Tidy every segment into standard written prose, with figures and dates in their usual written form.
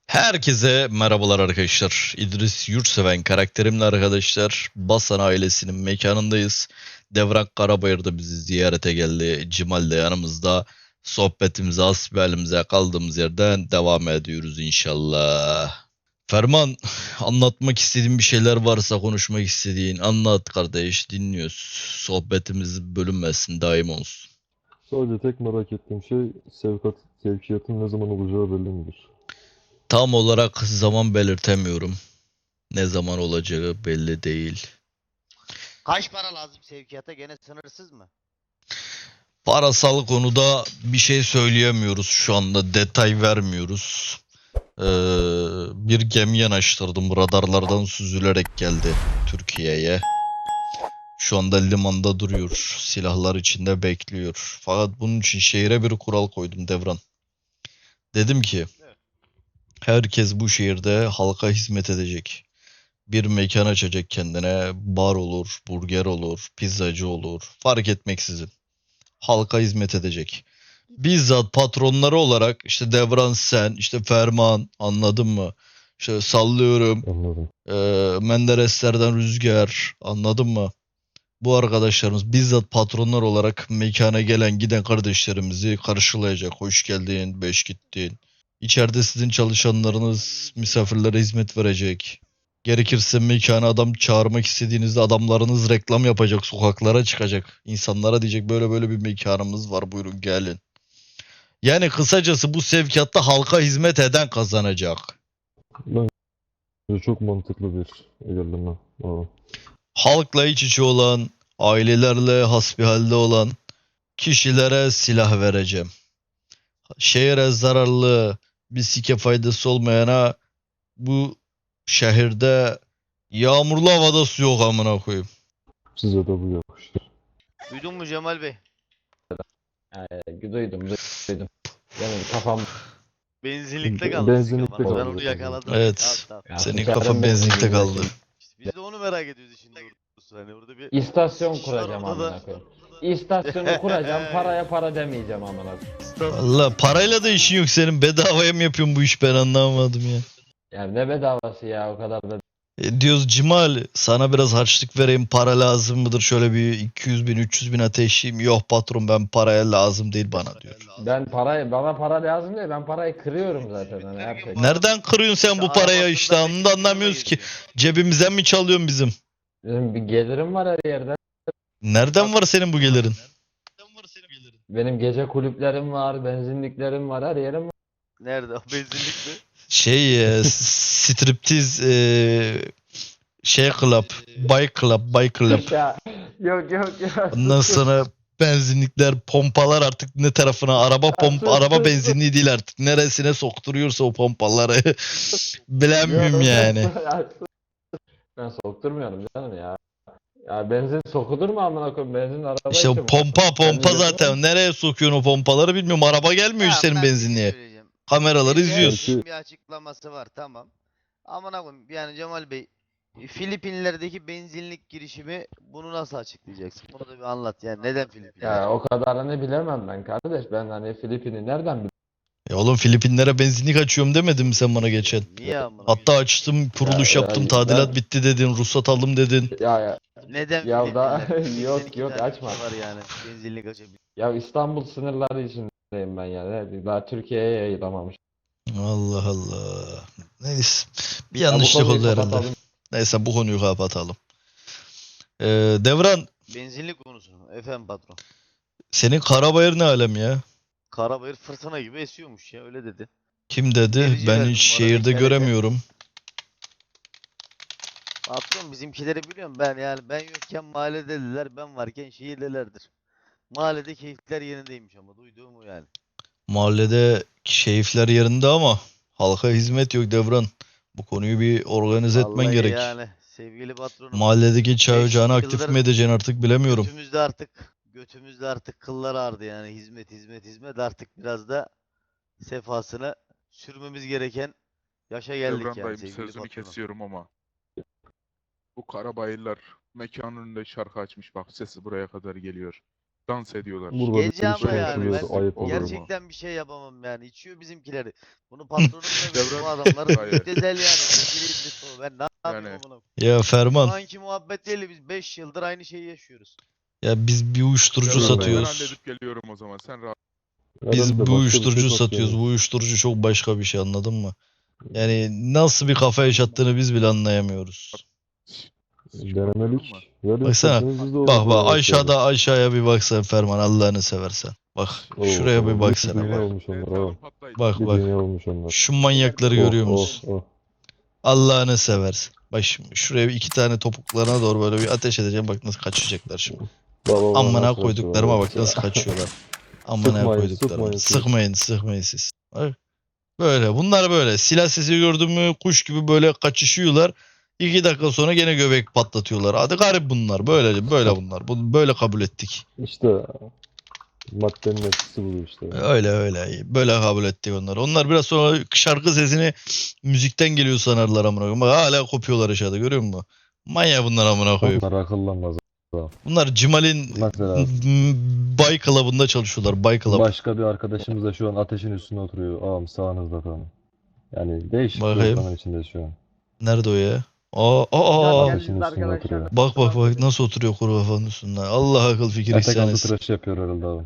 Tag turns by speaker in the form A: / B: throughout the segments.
A: Herkese merhabalar arkadaşlar. İdris Yurtseven karakterimle arkadaşlar Basan ailesinin mekanındayız. Devran Karabayır da bizi ziyarete geldi. Cimal de yanımızda. Sohbetimize, hasbihalimize kaldığımız yerden devam ediyoruz inşallah. Ferman, anlatmak istediğin bir şeyler varsa, konuşmak istediğin anlat kardeş, dinliyoruz. Sohbetimiz bölünmesin, daim olsun.
B: Sadece tek merak ettiğim şey sevkiyatın ne zaman olacağı belli midir?
A: Tam olarak zaman belirtemiyorum. Ne zaman olacağı belli değil.
C: Kaç para lazım sevkiyata? Gene sınırsız mı?
A: Parasal konuda bir şey söyleyemiyoruz şu anda. Detay vermiyoruz. Bir gemi yanaştırdım. Radarlardan süzülerek geldi Türkiye'ye. Şu anda limanda duruyor. Silahlar içinde bekliyor. Fakat bunun için şehire bir kural koydum Devran. Dedim ki herkes bu şehirde halka hizmet edecek. Bir mekan açacak kendine. Bar olur, burger olur, pizzacı olur. Fark etmeksizin. Halka hizmet edecek. Bizzat patronları olarak işte Devran sen, işte Ferman, anladın mı? İşte sallıyorum,
B: Anladım.
A: Mendereslerden Rüzgar, anladın mı? Bu arkadaşlarımız bizzat patronlar olarak mekana gelen giden kardeşlerimizi karşılayacak. Hoş geldin, beş gittin. İçeride sizin çalışanlarınız misafirlere hizmet verecek. Gerekirse mekana adam çağırmak istediğinizde adamlarınız reklam yapacak, sokaklara çıkacak. İnsanlara diyecek böyle böyle bir mekanımız var, buyurun gelin. Yani kısacası bu sevkiyatta halka hizmet eden kazanacak.
B: Bence çok mantıklı bir ilerleme. Abi.
A: Halkla iç içe olan, ailelerle hasbihalde olan kişilere silah vereceğim. Şehre zararlı, bir sike faydası olmayana bu şehirde yağmurlu havada su yok amına koyayım.
B: Size de bu yakışır.
C: Duydun mu Cemal Bey?
D: Duydum. Benim kafam
C: Benzinlikte kaldı
B: Benzinlikte
C: sizin kafanız. Ben
B: kaldı.
C: onu yakaladım.
A: Evet.
C: Tamam.
D: Ya,
A: Senin
D: sikerim
A: kafan benzinlikte kaldı.
C: İşte biz de onu merak ediyoruz işin doğrusu. Hani orada bir
D: istasyon
C: sıkış var
D: kuracağım
C: orada da.
D: amına koyayım. İstasyonu kuracağım, paraya para demeyeceğim amına koyayım.
A: Allah parayla da işin yok senin. Bedavaya mı yapıyorsun bu iş ben anlamadım ya.
D: Yani ne bedavası ya, o kadar da.
A: Diyoruz Cimal sana biraz harçlık vereyim para lazım mıdır? Şöyle bir 200 bin 300 bin ateşleyeyim. Yok patron ben paraya lazım değil bana diyor.
D: Bana para lazım değil, ben parayı kırıyorum zaten hani her şey.
A: Nereden kırıyorsun sen bu parayı işte onu da anlamıyoruz ki. Cebimizden mi çalıyorsun bizim?
D: Benim bir gelirim var her yerde.
A: Nereden var senin bu gelirin?
D: Benim gece kulüplerim var, benzinliklerim var, her yerim var.
C: Nerede o benzinlik mi?
A: Striptiz club, buy club.
D: Ya, yok.
A: Ondan sonra benzinlikler, pompalar artık ne tarafına araba benzinliği değil artık. Neresine sokturuyorsa o pompaları bilemiyorum yani.
D: Ben sokturmuyorum canım ya. Ya benzin sokulur mu amına koyayım? Benzin araba
A: İşte
D: için mi?
A: pompa zaten. Nereye sokuyorsun o pompaları bilmiyorum. Araba gelmiyor
C: Tamam,
A: senin
C: ben bir şey
A: benzinliğe.
C: söyleyeceğim.
A: Kameraları
C: Şimdi
A: izliyoruz.
C: herkesin bir açıklaması var, tamam. Amına koyayım yani Cemal Bey, Filipinlerdeki benzinlik girişimi bunu nasıl açıklayacaksın? Bunu da bir anlat yani neden Filipinler?
D: Ya o kadarını bilemem ben kardeş. Ben hani Filipin'i nereden bileyim?
A: Oğlum Filipinlere benzinlik açıyorum demedin mi sen bana geçen?
C: Niye amına?
A: Hatta açtım, kuruluş
D: Ya,
A: yaptım,
D: ya,
A: tadilat
D: ben-
A: bitti dedin, ruhsat aldım dedin.
D: Ya
C: Neden
D: Ya da-
C: Filipinler?
D: yok,
C: 82
D: yok,
C: tane
D: açma.
C: ülke var yani benzinlik açabilir.
D: ya İstanbul sınırları içindeyim ben yani. Daha Türkiye'ye yayılamamış.
A: Allah Allah. Neyse. Bir
D: Ya bu
A: yanlışlık
D: konuyu
A: oldu herhalde.
D: kapatalım.
A: Neyse bu konuyu kapatalım. Devran,
C: Benzinlik konusu. Efendim patron.
A: senin Karabayır ne alem ya?
C: Karabayır fırtına gibi esiyormuş ya, öyle dedi.
A: Kim dedi?
C: Verici
A: Ben
C: verdim
A: hiç
C: bu arada,
A: şehirde
C: TRT.
A: göremiyorum.
C: Patron bizimkileri biliyorum ben, yani ben yokken mahalledediler, ben varken şehirdelerdir. Mahallede keyifler yerindeymiş ama duyduğum o yani.
A: Mahallede keyifler yerinde ama halka hizmet yok Devran. Bu konuyu bir organize etmen
C: Vallahi
A: gerek.
C: yani sevgili patronum.
A: Mahalledeki çay
C: 5
A: ocağını aktif
C: yıldır
A: mi edeceksin artık bilemiyorum.
C: götümüzde artık kıllar ağrıdı yani, hizmet artık biraz da sefasını sürmemiz gereken yaşa geldik
E: Devran
C: yani
E: dayım
C: sevgili
E: sözünü
C: patronum.
E: kesiyorum ama bu Karabayırlar mekanın önünde şarkı açmış, bak sesi buraya kadar geliyor. dans ediyorlar.
B: Burada bir
C: Gece
B: şey
C: ama yani
B: konuşuluyor.
C: ben
B: Ayıp olur mu?
C: gerçekten bir şey yapamam yani. İçiyor bizimkileri. Bunu patronum da bilir.
E: Devran-
C: Bu adamlar
E: Hayır.
C: müptezel yani. Sevgili İdris o. Ben ne yapayım
E: Yani-
C: amına?
A: Ya
C: Şu
A: Ferman,
C: anki muhabbet değil, biz 5 yıldır aynı şeyi yaşıyoruz.
A: ya biz bir uyuşturucu
E: Devran, ben
A: satıyoruz.
E: halledip geliyorum o zaman. Sen rahat.
A: Biz
B: Herhalde
A: bu
B: başka bir
A: uyuşturucu
B: şey
A: satıyoruz.
B: satıyorlar.
A: Bu uyuşturucu çok başka bir şey, anladın mı? Yani nasıl bir kafa yaşattığını biz bile anlayamıyoruz.
B: Denemelik. Verin
A: Baksana,
B: sesiniz biz de
A: Bak
B: orada
A: bak
B: başlayalım.
A: aşağıya bir baksan Ferman, Allah'ını seversen. Bak
B: Oo,
A: şuraya bir
B: oo,
A: baksana.
B: bir dünya
A: Bak,
B: olmuş onlar
E: Etrafım
B: ha.
E: patlayıcı.
A: bak.
B: Bir
A: bak.
B: dünya olmuş onlar.
A: Şu manyakları görüyor
B: Oh,
A: musun?
B: oh, oh.
A: Allah'ını seversen. Bak şimdi şuraya bir iki tane topuklarına doğru böyle bir ateş edeceğim. Bak nasıl kaçacaklar şimdi.
B: Baba, baba,
A: Amına
B: nasıl
A: koyduklarıma
B: kaçıyorlar?
A: bak nasıl kaçıyorlar. Amına
B: Sıkmayın,
A: koyduklarıma.
B: sıkmayın siz.
A: Sıkmayın siz. Bak. Böyle bunlar böyle. Silah sesi gördün mü kuş gibi böyle kaçışıyorlar. 2 dakika sonra gene göbek patlatıyorlar. Hadi garip bunlar. Böyle bunlar. Böyle kabul ettik.
B: İşte maddenin etkisi bu işte.
A: Öyle. Böyle kabul ettik onları. Onlar biraz sonra şarkı sesini müzikten geliyor sanarlar amına koyayım. Bak hala kopuyorlar aşağıda, görüyor musun? Manyak bunlar amına koyayım.
B: Onlar akıllanmaz.
A: Bunlar Cimal'in
B: Mesela
A: Bay Club'ında çalışıyorlar. Bay Club.
B: başka bir arkadaşımız da şu an ateşin üstünde oturuyor. Ağam sağınızda tam. Yani değişik bir
A: Bakayım.
B: ortamın içinde şu an.
A: Nerede o ya? Aa.
B: Ateşin üstünde oturuyor.
A: Bak nasıl oturuyor kuru kafanın üstünde. Allah akıl fikir
B: Etek altı
A: ihsan
B: tıraşı yapıyor herhalde abi.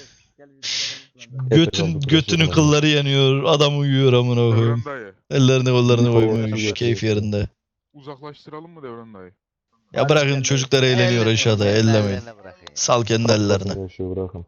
A: Götünün kılları yanıyor. Adam uyuyor amına koyayım.
E: Devran dayı.
A: Ellerini kollarını
B: Bir
A: koymuş.
B: kavga
A: Keyif
B: yapıyorsun.
A: yerinde.
E: Uzaklaştıralım mı Devran dayı?
A: Ya bırakın çocuklar eğleniyor aşağıda. Ellemeyin.
C: Ellerine bırakın ya.
A: Sal kendi ellerine.
B: Yaşıyor, bırakın.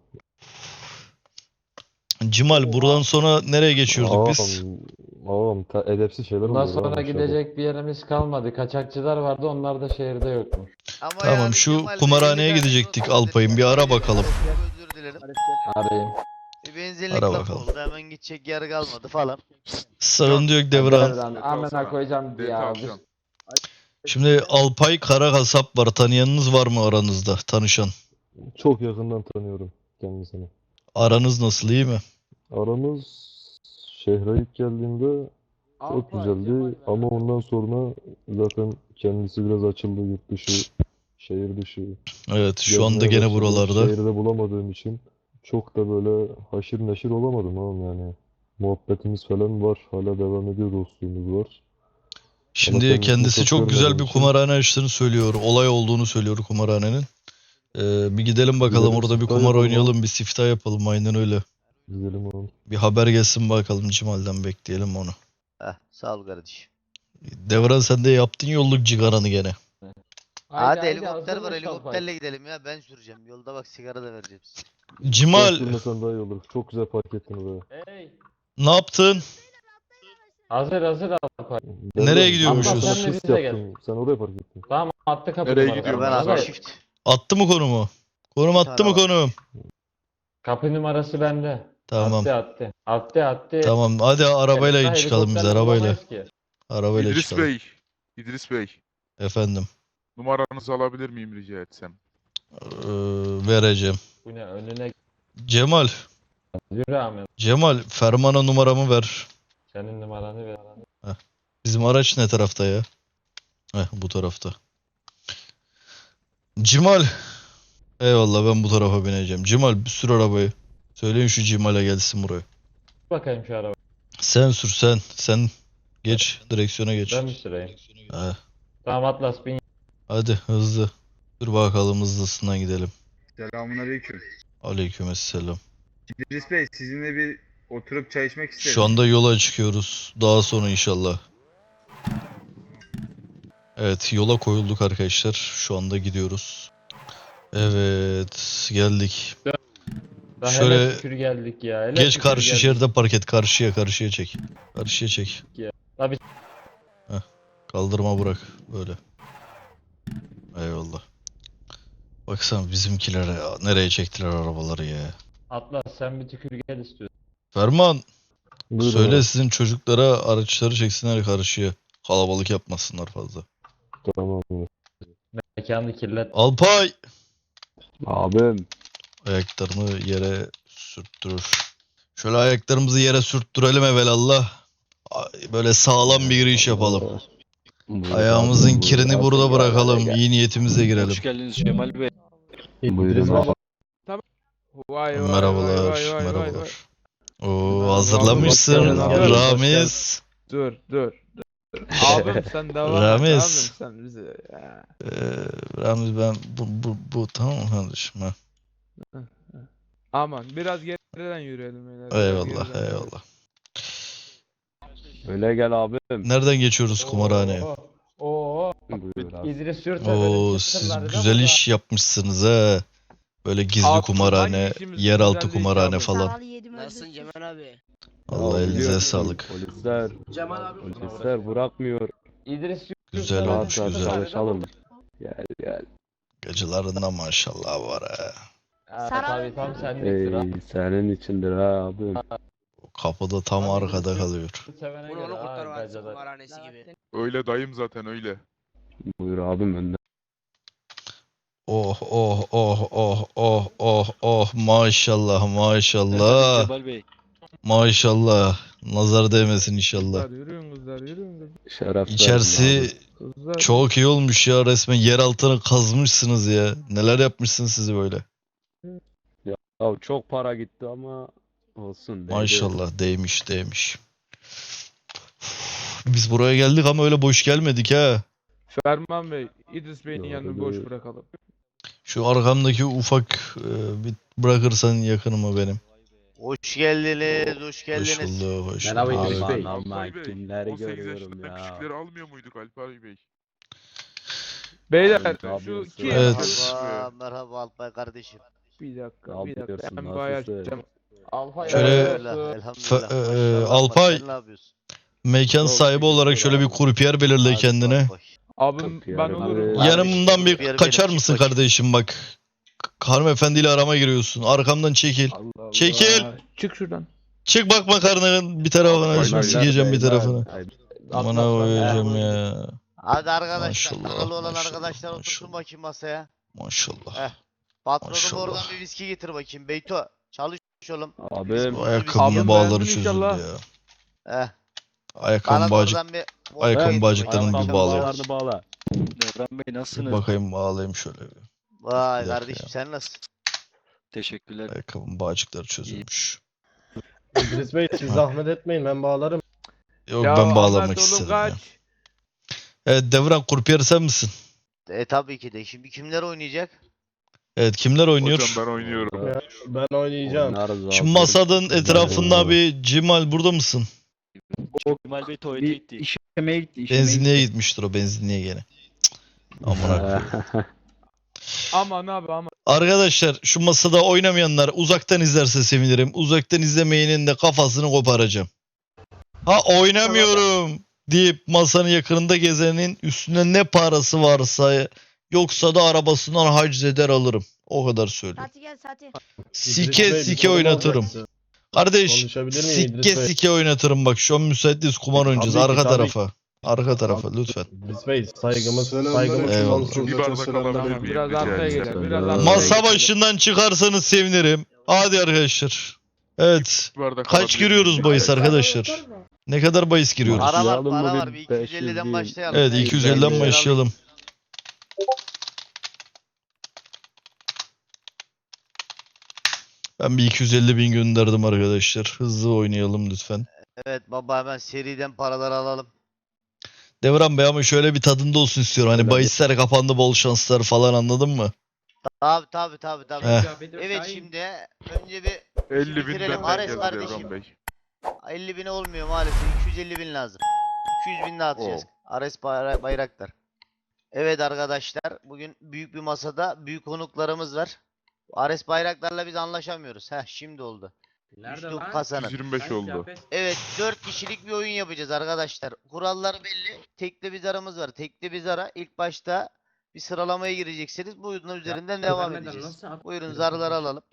A: Cimal buradan sonra nereye geçiyorduk biz?
B: Ağam edepsiz şeyler
D: Bundan
B: oluyor
D: sonra
B: ağam aşağıda.
D: gidecek bir yerimiz kalmadı. Kaçakçılar vardı, onlar da şehirde yokmuş.
C: Ama
A: Tamam,
C: yani
A: şu
C: Cemal Bey,
A: kumarhaneye
C: bir tane
A: gidecektik
C: sosyal
A: Alpay'ın. Bir
C: destek
A: ara
C: vermeye
A: bakalım.
C: Özür dilerim.
D: Arayayım.
C: Bir benzinlik
A: Ara
C: laf
A: bakalım.
C: oldu. Hemen gidecek yer kalmadı falan.
A: Sıkıntı yok Devran.
D: Devran, amına koyacağım
E: Dete
D: ya.
E: alacağım.
A: Şimdi Alpay Kara Kasap var. Tanıyanınız var mı aranızda? Tanışan.
B: Çok yakından tanıyorum kendisini.
A: Aranız nasıl, iyi mi?
B: Aramız şehre ilk geldiğinde çok güzeldi ama ondan sonra zaten kendisi biraz açıldı, yurt dışı, şehir dışı.
A: Evet, şu anda
B: gezmeye
A: gene
B: başladı.
A: buralarda.
B: Şehirde bulamadığım için çok da böyle haşır neşir olamadım ama yani. Muhabbetimiz falan var. Hala devam ediyor, dostluğumuz var.
A: Şimdi
B: kendisini
A: kendisi
B: çok
A: çok güzel
B: görmediğim
A: bir
B: için-
A: kumarhane açtığını söylüyor. Olay olduğunu söylüyor kumarhanenin. Bir gidelim bakalım,
B: Gidelim,
A: orada bir
B: siftah
A: kumar
B: yapalım.
A: oynayalım, bir siftah yapalım, aynen öyle.
B: Gidelim oğlum.
A: Bir haber gelsin bakalım, Cimal'den bekleyelim onu.
C: Heh, sağ ol kardeşim.
A: Devran sen de yaptın yolluk cigaranı gene.
C: Hadi helikopter
D: hazırmış
C: var,
D: Alpay.
C: helikopterle gidelim ya, ben süreceğim. Yolda bak sigara da vereceğim size.
A: Cimal
B: Sürmesen daha iyi olur. Çok güzel park ettin be.
D: Hey.
A: ne yaptın?
D: Hazır Alpay.
A: Nereye gidiyormuşuz?
B: Sana
D: Sen de
B: shift
D: bize
B: yaptım. Sen oraya park ettin.
D: Tamam, attı kapı
E: Nereye
D: numarası.
E: gidiyorum
C: Ben
E: Hazır.
C: abi
E: Hazır.
C: shift.
A: Attı mı konumu? Konum attı mı
C: Tamam.
A: konum?
D: Kapı numarası bende.
A: Tamam.
D: Attı.
A: Tamam hadi arabayla
D: Helikopterle
A: çıkalım biz, arabayla.
D: bulamayız ki.
A: Arabayla
E: İdris
A: çıkalım.
E: Bey. İdris Bey.
A: Efendim.
E: Numaranızı alabilir miyim rica etsem?
A: Vereceğim.
D: Bu ne, önüne
A: Cemal.
D: yürü Ahmet.
A: Cemal Ferman'a numaramı ver.
D: Senin numaranı ver.
A: Bizim araç ne tarafta ya? Bu tarafta. Cimal. Eyvallah, ben bu tarafa bineceğim. Cimal bir sür arabayı. Söyleyin şu Cimal'e gelsin buraya.
D: Bakayım şu araba.
A: Sen sür sen. Sen geç, direksiyona geç.
D: Ben mi süreyim?
A: He.
D: Tamam, Atlas bin.
A: Hadi hızlı. Dur bakalım, hızlısından gidelim.
F: Selamünaleyküm.
A: Aleykümselam.
F: İdris Bey, sizinle bir oturup çay içmek isterim.
A: Şu anda yola çıkıyoruz. Daha sonra inşallah. Evet, yola koyulduk arkadaşlar. Şu anda gidiyoruz. Evet, geldik.
D: Daha
A: Şöyle
D: hele şükür geldik ya. Hele
A: Geç
D: şükür
A: karşı
D: geldik.
A: şeride park et. Karşıya çek. Karşıya çek.
D: Tabii.
A: Kaldırma bırak. Böyle. Eyvallah. Baksana bizimkilere nereye çektiler arabaları ya.
D: Atlas sen bir tükür gel istiyorsun.
A: Ferman
B: Buyurun
A: söyle
B: abi.
A: sizin çocuklara araçları çeksinler karşıya. Kalabalık yapmasınlar fazla.
B: Tamam.
D: Mekanı kirlet.
A: Alpay!
F: Abim.
A: Ayaklarını yere sürttürür. Şöyle ayaklarımızı yere sürttürelim evelallah. Böyle sağlam bir giriş yapalım. Ayağımızın kirini burada bırakalım. İyi niyetimizle girelim.
G: Hoş geldiniz Cemal Bey.
F: Buyurun abi.
G: Vay vay
A: Merhabalar,
G: vay vay vay vay vay.
A: merhabalar. Oo, hazırlamışsın
G: Hoş geldin abi.
A: Ramiz.
G: Dur dur. Abim sen devam et
A: Ramiz.
G: abim sen bize. Ya.
A: Ramiz ben bu tamam mı kardeşim? Ha.
G: Aman biraz geriden yürüyelim. beyler, biraz
A: Eyvallah,
G: geriden yürüyelim.
A: eyvallah.
B: Öyle gel abim.
A: Nereden geçiyoruz kumarhaneye?
D: Oo.
B: Buyur abi.
D: İdris Yurt'a
A: Oo,
D: benim
A: siz
D: çıktım
A: güzel
D: burada.
A: iş yapmışsınız ha. Böyle gizli
G: Abi,
A: kumarhane,
G: hangi işimiz
A: yeraltı
G: güzel değil
A: kumarhane
G: abi?
A: falan.
H: Nasılsın Cemal abi?
A: Allah
B: Ya
A: elinize
B: biliyorsun,
A: sağlık.
B: Polisler bırakmıyor.
D: İdris Yurt'a
A: Güzel
D: benim
A: olmuş,
D: çıktım
A: güzel.
D: burada.
B: Çalışalım. Gel.
A: Gecelerinde maşallah var ha.
D: Tabii tam senlik sıra.
B: Senin içindir ha abim.
A: Kapıda tam
D: Abi,
A: arkada
D: İdris
A: kalıyor.
D: Sevene
H: Bunu
D: göre
H: onu
D: ha,
H: kurtarmaz
D: gacada.
H: kumarhanesi gibi.
E: Öyle dayım zaten öyle.
B: Buyur abim önden.
A: Oh oh oh oh oh oh oh maşallah maşallah.
I: Bey.
A: Maşallah. Nazar değmesin inşallah.
G: Kızlar yürüyün kızlar yürüyün
B: Şeref
A: İçerisi
B: verdim
G: kızlar.
A: çok iyi olmuş ya, resmen yer altını kazmışsınız ya. Neler yapmışsınız sizi böyle.
B: abi. Ya çok para gitti ama olsun. değdi.
A: Maşallah değmiş. Biz buraya geldik ama öyle boş gelmedik ha.
G: Ferman Bey, İdris Bey'in
B: Doğru,
G: yanını boş
B: doğru.
G: bırakalım.
A: Şu arkamdaki ufak bir bırakırsan yakınıma benim.
C: Hoş geldiniz, hoş
A: Hoş
C: geldiniz.
A: bulduk, hoş
D: Merhaba
A: bulduk.
D: İdris Bey.
E: Alpay Bey,
B: kimleri
E: 18
B: görüyorum
E: yaşından
B: ya.
E: küçükleri almıyor muyduk Alpay Bey?
G: Beyler
B: Ne
G: şu
B: yapıyorsun?
G: kim?
A: Evet.
C: Merhaba Alpay kardeşim.
G: Bir dakika
B: Ne
G: bir dakika.
B: yapıyorsun,
G: Ben bayağı
B: nasılsın?
G: açacağım.
D: Alfa
A: Şöyle-
D: yapıyorsun.
C: Elhamdülillah. Maşallah.
A: Alpay.
C: Sen ne yapıyorsun?
A: Mekan
B: Çok
A: sahibi olarak
B: teşekkür
A: şöyle bir
B: ederim.
A: kurpiyer belirle
C: Hadi
A: kendine.
C: bak bak.
G: Abim
B: Kapıyı
G: ben
B: arada-
G: olurum.
C: Abi,
A: Yanımdan bir
C: kurpiyer
A: kaçar
C: benim,
A: mısın
C: çık bakayım.
A: kardeşim bak. Hanımefendiyle arama giriyorsun. Arkamdan çekil.
B: Allah Allah.
A: Çekil.
G: Çık şuradan.
A: Çık bak makarnanın bir tarafına.
E: Alpay
A: Şimdi
E: Bey.
A: sikeceğim bir tarafını.
B: Ay,
A: Amına koyacağım ya.
C: Hadi arkadaşlar,
A: Maşallah,
C: akıllı olan
A: maşallah,
C: arkadaşlar otursun
A: maşallah.
C: bakayım masaya.
A: Maşallah.
C: Eh. Patronum
A: Maşallah.
C: oradan bir viski getir bakayım. Beyto, çalış oğlum.
B: Abim.
A: Bu
G: Abim
A: ayakkabının bağları
G: beğendin
A: çözüldü
G: inşallah.
A: ya.
C: Eh.
A: Ayakkabı
C: Bana da
A: bağcık.
C: oradan bir
A: Ayakkabı
C: getir
A: bağcıklarını
C: bakayım.
A: bir
C: Akşam
A: bağlayın.
C: çalış.
B: Bağla.
I: Devran Bey
A: Bir
I: nasılsınız?
A: bakayım bağlayayım şöyle bir.
C: Vay
A: Bir dakika
C: kardeşim
A: ya.
C: sen nasılsın?
I: Teşekkürler.
A: Ayakkabının bağcıkları çözülmüş.
J: İdris Bey siz zahmet etmeyin ben bağlarım.
A: Yok
G: Ya
A: ben bağlamak
G: Ahmet oğlum
A: istedim ya.
G: kaç.
A: Evet Devran kurpiyer sen misin?
C: Tabii ki de. Şimdi kimler oynayacak?
A: Evet kimler oynuyor?
E: Hocam ben oynuyorum.
J: Ben oynayacağım.
B: Oynarız
A: Şu
B: abi.
A: masanın etrafında
B: Oo.
A: bir Cemal burada mısın?
I: Kemal Bey tuvalete
J: Bir
I: gitti.
J: işemeye gitti. işemeye
A: Benzinliğe
J: gitti.
A: gitmiştir o, benzinliğe gene. Cık, amına koyayım.
G: Aman abi aman.
A: Arkadaşlar şu masada oynamayanlar uzaktan izlerse sevinirim. Uzaktan izlemeyenin de kafasını koparacağım. Ha oynamıyorum deyip masanın yakınında gezenin üstünde ne parası varsa yoksa da arabasından haciz eder alırım. O kadar söyleyeyim.
H: Sati gel Sati.
A: Sike
J: İdris Bey, bir
A: sike
J: sorum
A: oynatırım.
J: olacaktı.
A: Kardeş
J: Konuşabilir miyim İdris
A: sike
J: Bey?
A: sike oynatırım bak, şu an müsait değiliz, kumar oynayacağız.
J: Tabii ki,
A: Arka
J: tabii
A: tarafa. Arka tarafa lütfen.
J: İdris Bey saygımız
A: Eyvallah.
J: sonsuz.
E: Bir bardak alabilir
G: Tamam,
E: miyim?
G: biraz
E: rica
G: arkaya
E: etsem?
G: gelelim. Biraz
B: Masa
G: arkaya
A: Masa
G: gelelim.
A: başından çıkarsanız sevinirim. Hadi arkadaşlar. Evet.
E: Bir bardak
A: Kaç
E: alabilir
A: giriyoruz
E: miyim?
A: bahis
E: Rica etsem.
A: arkadaşlar? Ne kadar bahis giriyoruz?
C: Para var,
B: Başlayalım
C: para
B: mı
C: var.
B: bir
C: Bir
B: 500
C: 250'den
B: diyeyim.
C: başlayalım.
A: Evet
C: Ben
A: 250'den
C: 250
A: başlayalım. Ben bir 250 bin gönderdim arkadaşlar. Hızlı oynayalım lütfen.
C: Evet baba, hemen seriden paraları alalım.
A: Devran Bey ama şöyle bir tadında olsun istiyorum. Hani
B: Öyle
A: bahisler kapandı, bol şanslar falan, anladın mı?
C: Tabii.
A: Heh.
C: Evet şimdi önce bir
E: 50
C: bitirelim.
E: binden
C: Ares
E: geldi
C: kardeşim.
E: Devran Bey.
C: 50 bine olmuyor maalesef. 250 bin lazım. 200 bin daha atacağız. Ares Bayraktar. Evet arkadaşlar, bugün büyük bir masada büyük konuklarımız var. Ares Bayraktar'la biz anlaşamıyoruz. Heh şimdi oldu. Üçlü kasanın.
E: 125 oldu.
C: Evet 4 kişilik bir oyun yapacağız arkadaşlar. Kuralları belli. Tekli bir zarımız var. Tekli bir zara ilk başta bir sıralamaya gireceksiniz. Bu oyunun üzerinden devam edeceğiz. Buyurun zarları alalım.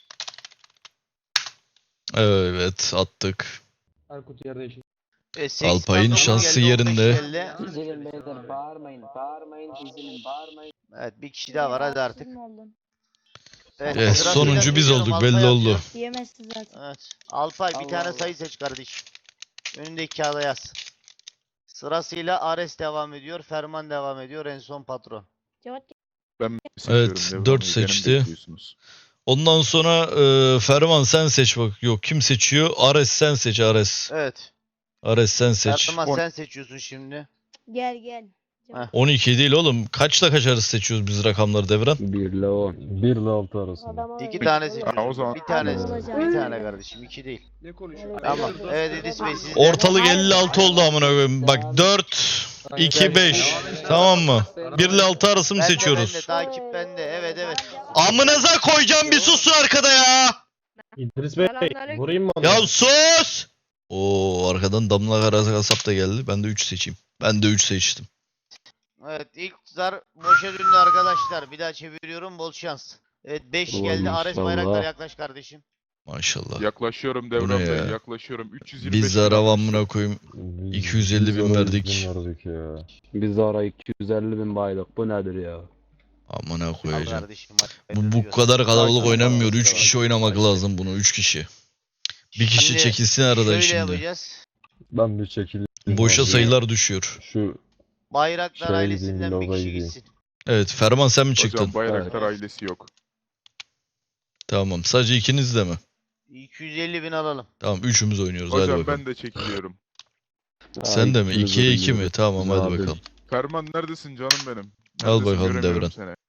A: Evet attık.
G: Aykut yerde işin.
C: Evet, 80
A: Alpay'ın
C: dokuz
A: şansı
C: geldi, 15
A: yerinde.
C: geldi.
I: Üzülün beyler bağırmayın üzülün bağırmayın.
C: Evet bir kişi daha var hadi artık. Evet,
A: Evet,
C: sırasıyla
A: sonuncu biz
C: söylüyorum,
A: olduk, belli
C: Alpay
A: oldu.
C: atıyor.
H: Diyemezsin zaten.
C: Evet. Alpay bir
I: Allah
C: tane
I: Allah.
C: sayı seç kardeşim. Önündeki kağıda yaz. Sırasıyla Ares devam ediyor, Ferman devam ediyor, en son patron.
H: Cevap
E: Ben seçiyorum
A: Evet,
E: Devran
A: 4
E: Bey, beni
A: seçti.
E: bekliyorsunuz.
A: Ondan sonra Ferman sen seç bak. Yok kim seçiyor? Ares sen seç Ares.
C: Evet.
A: Ares sen seç.
C: Erman sen seçiyorsun şimdi.
H: Gel gel.
A: 12 değil oğlum. Kaçla kaç arası seçiyoruz biz rakamları Devran?
I: 1 ile 10.
B: 1 ile 6 arasında.
C: İki tane
E: o
C: seçiyorsun.
E: zaman-
C: Bir tane,
H: Olacak.
C: bir tane kardeşim. İki değil.
G: Ne konuşuyor?
C: Tamam. Evet İdris Bey siz de.
A: Ortalık 56 oldu amına koyayım. Bak 4, 2, 5. Tamam mı? 1 ile 6 arası mı
C: Bende,
A: seçiyoruz?
C: bende, takip bende. Evet evet.
A: Amınıza koyacağım bir susun arkada ya.
J: İdris Bey
H: Selamünaleyküm.
J: vurayım mı onu?
A: Ya sus! Oo arkadan Damla Karasap da geldi. Ben de 3 seçeyim. Ben de 3 seçtim.
C: Evet ilk zar boşa döndü arkadaşlar. Bir daha çeviriyorum. Bol şans. Evet 5
I: Ulan
C: geldi. Ares
I: maşallah.
C: Bayraktar yaklaş kardeşim.
A: Maşallah.
E: Yaklaşıyorum
A: Bu ne
E: Devran Bey,
A: ya?
E: yaklaşıyorum. 325
A: Biz
E: bin
A: zara
E: almışım.
A: amına koyayım.
B: Biz-
A: 250
B: biz
A: bin
B: ona
A: verdik.
B: 100 bin verdik ya.
I: Biz ara 250 bin baylık. Bu nedir ya?
A: Amına
C: Al
A: koyacağım.
C: kardeşim. hadi.
A: Bu kadar kalabalık
C: Sakin ol,
A: oynanmıyor.
C: sakin
A: 3
C: ol.
A: kişi oynamak
C: Başla.
A: lazım bunu. 3 kişi. Bir kişi
C: Şimdi
A: çekilsin aradan
C: şöyle
A: şimdi.
C: yapacağız.
B: Ben bir çekileyim.
A: Boşa
B: abi.
A: sayılar düşüyor.
B: Şu
C: Bayraktar
B: Şöyle
C: ailesinden
B: diyeyim,
C: bir
B: lobaya
C: kişi
B: gideyim.
C: gitsin.
A: Evet Ferman sen mi çıktın?
E: Hocam Bayraktar ailesi yok.
A: Tamam. Sadece ikiniz de mi?
C: 250 bin alalım.
A: Tamam üçümüz oynuyoruz. Hadi
E: Hocam
A: bakalım.
E: ben de çekiliyorum.
A: Sen de mi?
I: ikimiz
A: 2'ye 2 mi?
I: oynuyoruz.
A: Tamam hadi
I: Abi.
A: bakalım.
E: Ferman neredesin canım benim?
A: Al
E: Neredesin?
A: bakalım
E: Göremiyorum
A: Devran.
E: seni.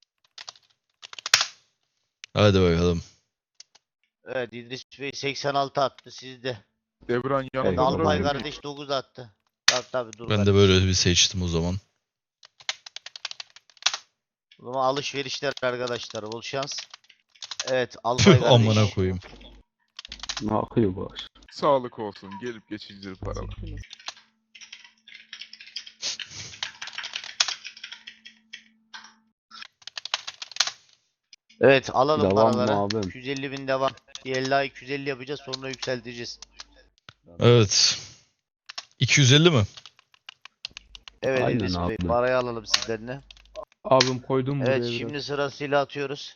A: Hadi bakalım.
C: Evet İdris Bey 86 attı sizde.
E: Devran yanımda
C: Alpay
E: durabilir miyim?
C: kardeş 9 attı. Tabii dur
A: Ben de
C: kardeşim.
A: böyle bir seçtim o zaman.
C: O zaman alışverişler arkadaşlar. Bol şans. Evet Alpay
A: Tüh
C: kardeş.
A: amına koyayım.
I: Ne akıyor baş?
E: Sağlık olsun. Gelip geçicidir paralar.
C: Evet alalım
I: Devam mı
C: paraları.
I: abim?
C: 250 bin devam. Diğer 250 yapacağız sonra yükselteceğiz.
A: Evet. 250 mi?
C: Evet
I: Aynen
C: İdris Bey
I: abi.
C: parayı alalım sizden de.
G: Abim koydum buraya
C: Evet
G: biraz.
C: şimdi sırasıyla atıyoruz.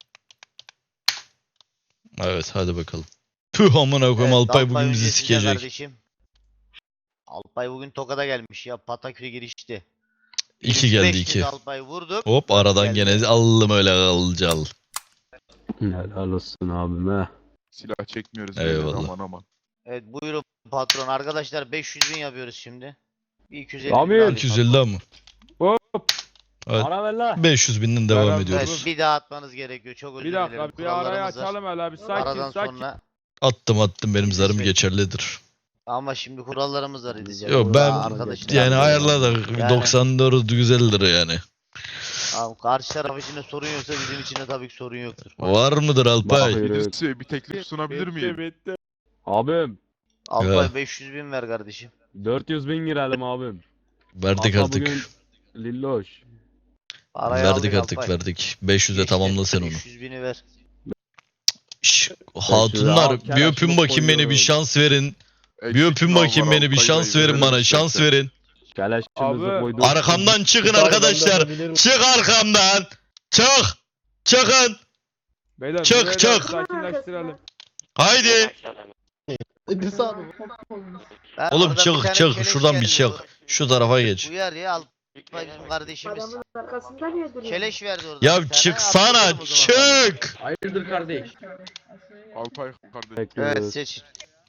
A: Evet hadi bakalım. Tüh amına koyayım
C: Evet,
A: Alpay bugün bizi
C: önce sizde
A: sikecek.
C: Kardeşim. Alpay bugün Tokat'a gelmiş ya Patakü'ye girişti.
A: 2 geldi
C: 5
A: 2.
C: Alpay vurduk.
A: Hop aradan
C: Geldi.
A: gene aldım öyle kalcal.
I: Helal olsun abime.
E: Silah çekmiyoruz.
A: Eyvallah.
E: beyler, Aman aman.
C: Evet buyurun patron. Arkadaşlar 500 bin yapıyoruz şimdi. Bir 250
I: Abi,
C: bin daha alayım
A: 250 ama.
G: Hop.
A: Evet.
I: Bana ver la.
A: 500 binden devam
G: Beraber-
A: ediyoruz.
C: Evet bir daha atmanız gerekiyor. Çok özür
G: Bir
C: dilerim.
G: dakika bir arayı
C: Kurallarımız var.
G: açalım hele bir sakin
C: Aradan
G: sakin.
C: sonra
A: Attım benim zarım
C: Bey.
A: geçerlidir.
C: ama şimdi kurallarımız var edeceğiz.
A: Yok
C: Burada
A: ben
C: arkadaşlar-
A: yani ayarladık
C: Yani-
A: 94 güzeldir yani.
C: Abi, karşı taraf için de sorun yoksa bizim için de tabii ki sorun yoktur.
A: Var mıdır Alpay?
I: Bakıyor.
E: İdris Bey, bir teklif sunabilir miyim?
G: Bitti.
I: Abim.
C: Alpay
A: Ya.
C: 500 bin ver kardeşim.
I: 400 bin girelim abim.
A: Verdik
I: Hatta
A: artık.
I: bugün Lilloş.
C: Parayı
A: Verdik
C: aldık
A: artık
C: Alpay.
A: verdik. 500'e
C: Geçti.
A: tamamla sen onu.
C: 500 bini ver.
A: Şş, hatunlar
I: al,
A: bir
I: keleşimi
A: öpün bakayım beni bir
I: koyuyorum.
A: şans verin. Bir
E: Eksik
A: öpün
E: mal
A: bakayım
E: var,
A: beni bir
E: Alpay
A: şans
E: Bey,
A: verin bana
E: verelim
A: şans
E: istersen.
A: verin.
I: Keleşimizi
G: Abi.
I: koyduk.
A: Arkamdan çıkın
J: Bir tane
A: arkadaşlar.
J: benden bilir misin?
A: Çık arkamdan. Çık. Çıkın.
G: Beyler
A: Çık,
G: burayı da
A: çık.
G: sakinleştirelim.
A: Haydi.
J: İdris abi.
C: Ben
A: Oğlum
C: oradan
A: çık,
C: bir tane
A: çık.
C: keleş
A: Şuradan bir
C: geldi.
A: çık. Şu tarafa geç.
C: Uyar ya Alpay bizim kardeşimiz. Keleş verdi orada. bir
A: Ya
C: tane,
A: çıksana
C: atladım o zaman.
A: çık.
G: Hayırdır kardeş?
E: Alpay kardeş.
C: Evet
I: Bekliyoruz.
C: seç.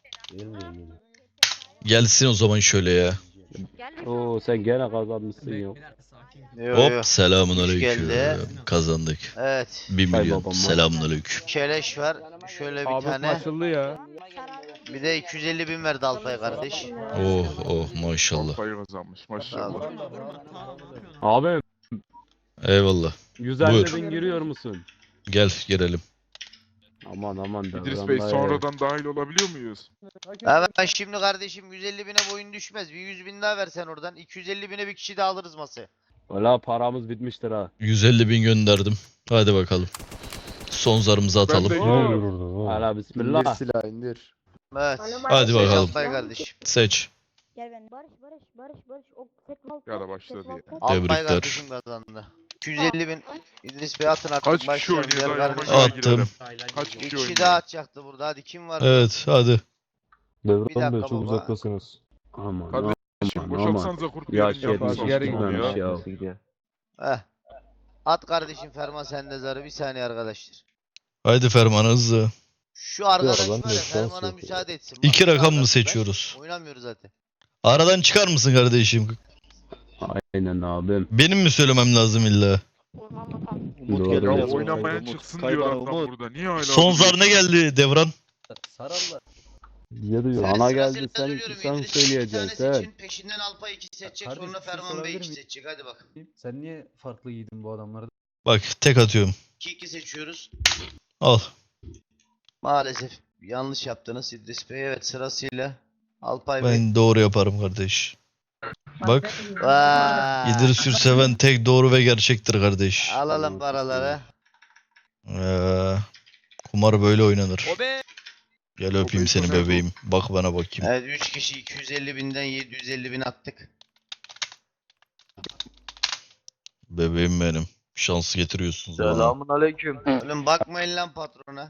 A: Gelsin o zaman şöyle ya.
I: Oo sen gene kazanmışsın ya.
C: Yo, yo.
A: Hop selamun
C: Hoş
A: aleyküm.
C: geldi.
A: Kazandık.
C: Evet.
A: 1
I: Hay
A: milyon.
I: babam,
A: Selamun aleyküm.
C: Keleş var. Şöyle bir
G: Abi
C: tane.
G: açıldı ya.
C: Bir de 250 bin verdi Alpay kardeş.
A: Oh oh maşallah.
E: Alpay kazanmış maşallah.
I: Abim
A: Eyvallah.
I: 150
A: Buyur.
I: bin giriyor musun?
A: Gel girelim.
I: Aman aman
E: İdris
I: Devran
E: Bey
I: dayı.
E: sonradan dahil olabiliyor muyuz?
C: Ben şimdi kardeşim 150 bine boyun düşmez. Bir 100 bin daha versen oradan. 250 bine bir kişi daha alırız masaya.
I: Valla paramız bitmiştir ha.
A: 150 bin gönderdim. Hadi bakalım. Son zarımızı atalım.
E: de-
B: Ne oluyor orada? Ne oluyor?
I: Hala bismillah.
C: Evet.
A: Hadi
C: Seç
A: bakalım.
C: Alpay kardeşim.
A: Seç.
H: Gel ben. Barış. O
E: Ya da başladı ya.
C: Alpay
A: Tebrikler.
C: kardeşim kazandı. 250 bin İdris Bey atın artık.
E: Kaç kişi
C: başlayalım.
E: oynuyor
C: Gel
E: daha
C: kardeşim.
E: yavaş
A: Attım.
E: girelim. Kaç
C: Bir
E: kişi
C: kişi
E: oynuyor?
C: daha atacaktı burada. Hadi kim var?
A: Evet hadi.
C: Bir
B: Devran
C: dakika
B: Bey çok
C: baba.
B: uzaktasınız.
I: Aman
E: Kardeşim
I: aman.
E: boşaltsanıza kurt
I: Ya
E: yerin
I: şey
E: yapısı
G: yapmış,
E: olsun
G: geri
E: ya.
G: gitmiş
I: ya.
C: Heh. At kardeşim Ferman sende zarı. Bir saniye arkadaşlar.
A: Haydi Ferman hızlı.
C: Şu arkadaş
B: ben
C: var
B: de
C: ya
B: şans
C: Ferman'a
B: yok.
C: müsaade etsin.
A: İki
C: Bak, şu
A: rakam mı
C: arkadaş
A: seçiyoruz?
C: Oynamıyor zaten.
A: Aradan çıkar mısın kardeşim?
I: Aynen abim.
A: Benim mi söylemem lazım illa?
B: Doğru.
E: Ya
B: Doğru.
E: oynamayan çıksın diyor adam burada. Niye hala
A: Son zar ne
E: duruyorsun?
A: geldi Devran?
B: Yedi yok.
I: Sana
C: Sırasıyla
I: geldi, sen-
C: söylüyorum,
I: sen
C: İdris iki
I: söyleyeceksin,
C: tane
I: sen.
C: seçin, peşinden Alpay 2 seçecek,
K: Kardeşim,
C: sonra
K: bir şey
C: Ferman Bey
K: sorabilir
C: 2
K: miyim?
C: seçecek. Hadi bak.
K: Sen niye farklı giydin bu adamları?
A: Bak tek atıyorum.
C: 2-2 seçiyoruz.
A: Al.
C: Maalesef yanlış yaptınız İdris Bey. Evet, sırasıyla Alpay Bey.
A: Ben doğru yaparım kardeş. Bak
C: Vay.
A: İdris Ürseven tek doğru ve gerçektir kardeş.
C: Alalım paraları.
A: Kumar böyle oynanır.
G: O be.
A: Gel öpeyim seni bebeğim. Bak bana bakayım.
C: Evet, 3 kişi 250 binden 750 bin attık.
A: Bebeğim benim. Şans getiriyorsunuz bana.
I: aleyküm.
C: Oğlum bakmayın lan patrona.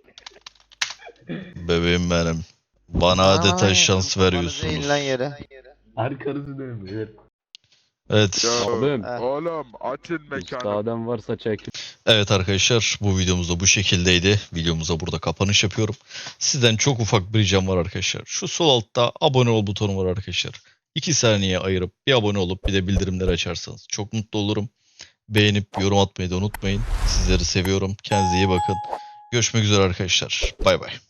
A: Bebeğim benim. Bana adeta şans
C: Kafanızı
A: veriyorsunuz.
C: eğin lan yere.
I: Arkanızı dönün.
A: Evet.
E: Ya
I: Abim.
E: oğlum açın mekanı.
I: Müsaaden varsa çek.
A: Evet arkadaşlar bu videomuz da bu şekildeydi. Videomuza burada kapanış yapıyorum. Sizden çok ufak bir ricam var arkadaşlar. Şu sol altta abone ol butonu var arkadaşlar. 2 saniye ayırıp bir abone olup bir de bildirimleri açarsanız çok mutlu olurum. Beğenip yorum atmayı da unutmayın. Sizleri seviyorum. Kendinize iyi bakın. Görüşmek üzere arkadaşlar. Bay bay.